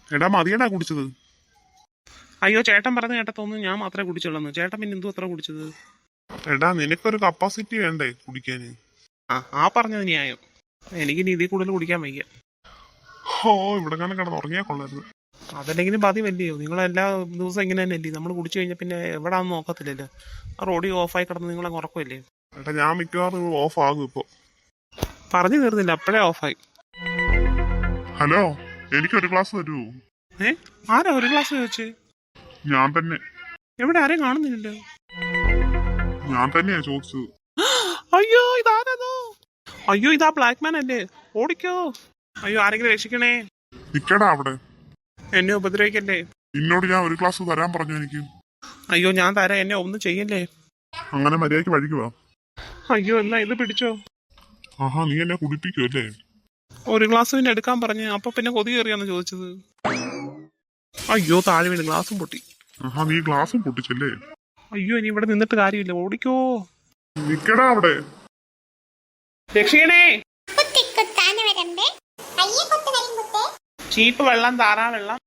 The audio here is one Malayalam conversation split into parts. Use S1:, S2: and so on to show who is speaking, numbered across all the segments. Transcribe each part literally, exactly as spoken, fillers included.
S1: എടാ മതിയടാ കുടിച്ചത്. അയ്യോ ചേട്ടൻ പറഞ്ഞ കേട്ട തോന്നുന്നു ഞാൻ മാത്രമേ കുടിച്ചുള്ളൂ. ചേട്ടൻ പിന്നെ എന്തു അത്ര കുടിച്ചത്? എടാ നിനക്കൊരു കപ്പാസിറ്റി വേണ്ടേ കുടിക്കാന്? ആ ആ പറഞ്ഞത് ന്യായം. എനിക്ക് ഇനി ഇതിൽ കൂടുതൽ കുടിക്കാൻ വയ്യ. ഓ ഇവിടെ കാണാൻ കിടന്ന് ഉറങ്ങിയാ കൊള്ളായിരുന്നു. അതല്ലെങ്കിലും പതിവല്ലയോ, നിങ്ങളെല്ലാ ദിവസം ഇങ്ങനെ തന്നെ അല്ലേ? നമ്മൾ കുടിച്ചു കഴിഞ്ഞാൽ പിന്നെ എവിടാന്ന് നോക്കത്തില്ലല്ലോ. ആ റോഡി ഓഫായി കിടന്ന് നിങ്ങളെ ഉറക്കമല്ലേ? ഏട്ടാ ഞാൻ മിക്കവാറും ഓഫ് ആകും ഇപ്പൊ. പറഞ്ഞു തീർന്നില്ല അപ്പോഴേ ഓഫായി. ഹലോ, എനിക്കൊരു ഗ്ലാസ് തരൂ. ഏ ആരാ ഒരു ഗ്ലാസ് ചോദിച്ചേ? ഞാൻ തന്നെ. എവിടെ ആരെയും കാണുന്നില്ലല്ലോ. ഞാൻ തന്നെയാ ചോദിച്ചത്. അയ്യോ ഇതാരോ. അയ്യോ ഇതാ ബ്ലാക്ക് മാൻ അല്ലേ? ഓടിക്കോ. അയ്യോ ആരെങ്കിലും രക്ഷിക്കണേ. നിക്കടാ അവിടെ. എന്നെ ഉപദ്രവിക്കല്ലേ. നിന്നോട് ഞാൻ ഒരു ഗ്ലാസ് തരാൻ പറഞ്ഞു എനിക്ക്. അയ്യോ ഞാൻ തരാം, എന്നെ ഒന്നും ചെയ്യല്ലേ. അങ്ങനെ മര്യാദക്ക് വഴിക്ക് വാ. അയ്യോ എന്നാ ഇത് പിടിച്ചോ. ആഹാ നീ എന്നെ കുടിപ്പിക്കുമല്ലേ? ഒരു ഗ്ലാസ് പിന്നെ എടുക്കാൻ പറഞ്ഞ് അപ്പൊ പിന്നെ കൊതി കയറിയാന്ന് ചോദിച്ചത്. അയ്യോ താഴെ വീണ് ഗ്ലാസും പൊട്ടി. ആഹാ നീ ഗ്ലാസും പൊട്ടിച്ചല്ലേ? അയ്യോ ഇനി ഇവിടെ നിന്നിട്ട് കാര്യമില്ല, ഓടിക്കോ. നിക്കടാ അവിടെ. രക്ഷിക്കണേ. ചീപ്പ് വെള്ളം, താറാ വെള്ളം.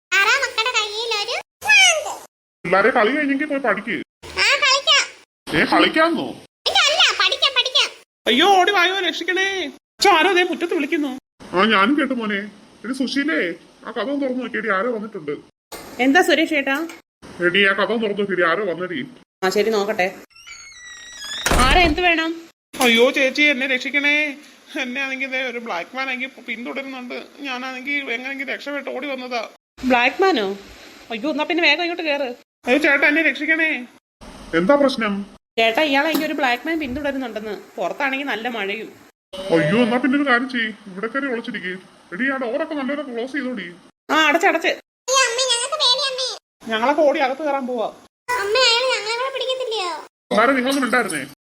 S1: പിള്ളേരെ കളി കഴിഞ്ഞെങ്കിൽ പോയി പഠിക്ക്. ഏ കളിക്കാന്നോ? അയ്യോ ഓടി വായോ, രക്ഷിക്കണേ. ആരോ അതേ മുറ്റത്ത് വിളിക്കുന്നു. ആ ഞാനും കേട്ടു മോനെ. എടി സുശീലേ ആ കഥ തുറന്നു നോക്കിയടി, ആരോ വന്നിട്ടുണ്ട്.
S2: എന്താ സുരേഷ് ഏട്ടാ?
S1: എടി ആ കഥ തുറന്നു നോക്കിയടി, ആരോ വന്നടി.
S2: ആ ശരി നോക്കട്ടെ. ആരാ, എന്ത് വേണം?
S1: അയ്യോ ചേച്ചി എന്നെ രക്ഷിക്കണേ. എന്നെ ആണെങ്കിൽ ഒരു ബ്ലാക്ക് മാൻ ആണെങ്കിൽ പിന്തുടരുന്നുണ്ട്. ഞാനാണെങ്കിൽ എങ്ങനെയെങ്കിലും രക്ഷപ്പെട്ട് ഓടി വന്നതാ.
S2: ബ്ലാക്ക് മാനോ? അയ്യോ എന്നാ പിന്നെ വേഗം ഇങ്ങോട്ട് കേറ്.
S1: അയ്യോ ചേട്ടാ എന്നെ രക്ഷിക്കണേ. എന്താ പ്രശ്നം?
S2: ചേട്ടാ ഇയാളെ എനിക്ക് ഒരു ബ്ലാക്ക് മാൻ പിന്തുടരുന്നുണ്ടെന്ന്. പുറത്താണെങ്കിൽ നല്ല മഴയും.
S1: അയ്യോ എന്നാ പിന്നെ ഒരു കാര്യം ചെയ്യ്, ഇവിടെ കയറി ഒളിച്ചിരിക്കേ. എടി ആ ഡോറൊക്കെ നല്ലപോലെ ക്ലോസ് ചെയ്തോടി.
S2: ആ അടച്ചടച്ച്.
S1: ഞങ്ങളൊക്കെ ഓടി അകത്ത് കയറാൻ പോവാ.
S3: അമ്മ അയാൾ ഞങ്ങളെ പിടിക്കത്തില്ലയോ?
S1: സാറേ നിങ്ങളൊന്നും ഉണ്ടായിരുന്നേ.